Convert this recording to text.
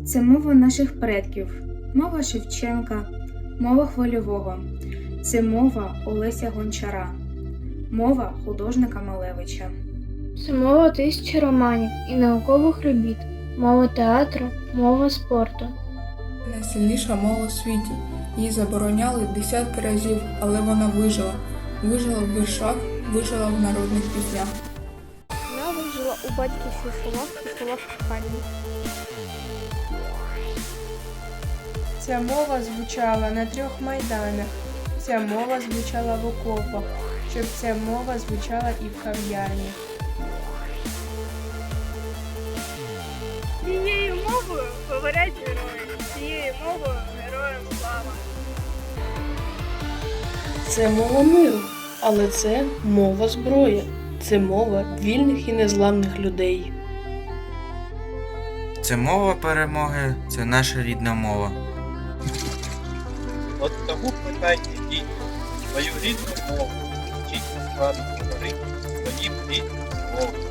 Це мова наших предків, мова Шевченка, мова Хвильового. Це мова Олеся Гончара, мова художника Малевича. Це мова тисячі романів і наукових робіт, мова театру, мова спорту. Найсильніша мова у світі. Її забороняли десятки разів, але вона вижила. Вижила в віршах, вижила в народних піснях. Вона вижила у батьківських словах і словах кохання. Ця мова звучала на 3 майданах, ця мова звучала в окопах, щоб ця мова звучала і в кав'ярні. Цією мовою говорять герої, цією мовою героям слава. Це мова миру, але це мова зброї. Це мова вільних і незламних людей. Це мова перемоги, це наша рідна мова. От тому питайте дітей свою рідну мову, вчіть насправді говорити своїм рідним мовою.